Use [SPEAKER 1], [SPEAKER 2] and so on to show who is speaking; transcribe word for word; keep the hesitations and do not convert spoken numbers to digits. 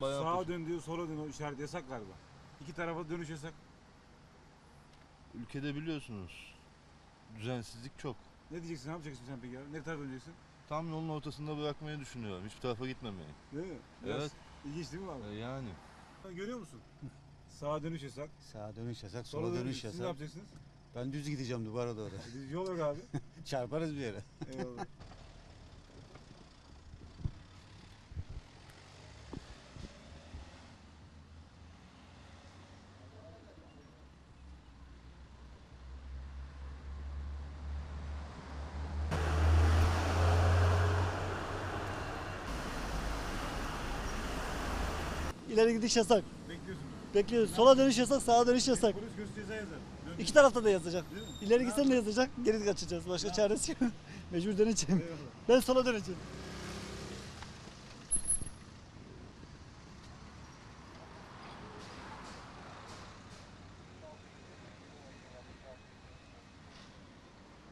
[SPEAKER 1] Bayağı
[SPEAKER 2] Sağa
[SPEAKER 1] poz-
[SPEAKER 2] dön diyor, sola dön, o işaret yasak galiba. İki tarafa dönüş yasak.
[SPEAKER 1] Ülkede biliyorsunuz düzensizlik çok.
[SPEAKER 2] Ne diyeceksin, ne yapacaksın sen peki abi? Ne tarafa döneceksin?
[SPEAKER 1] Tam yolun ortasında bırakmayı düşünüyorum. Hiçbir tarafa gitmemeyi.
[SPEAKER 2] Değil mi? Biraz
[SPEAKER 1] Evet.
[SPEAKER 2] İlginç değil mi abi?
[SPEAKER 1] E yani.
[SPEAKER 2] Görüyor musun? Sağa dönüş yasak.
[SPEAKER 3] Sağa dönüş yasak,
[SPEAKER 2] Sola
[SPEAKER 3] sola
[SPEAKER 2] dönüş,
[SPEAKER 3] dönüş
[SPEAKER 2] Siz ne
[SPEAKER 3] yasak.
[SPEAKER 2] yapacaksınız?
[SPEAKER 3] Ben düz gideceğim duvara doğru.
[SPEAKER 2] Biz yol yok abi.
[SPEAKER 3] Çarparız bir yere.
[SPEAKER 2] Eyvallah.
[SPEAKER 4] İleri gidiş yasak.
[SPEAKER 2] Bekliyorsun.
[SPEAKER 4] Bekliyoruz. Sola dönüş yasak, sağa dönüş yasak.
[SPEAKER 2] Polis göz ceza yazar. Dön.
[SPEAKER 4] İki tarafta da yazacak.
[SPEAKER 2] Değil mi?
[SPEAKER 4] İleri gitsen de yazacak, geri kaçacağız. Başka çaresi yok. Mecbur döneceğim.
[SPEAKER 2] Eyvallah.
[SPEAKER 4] Ben sola döneceğim.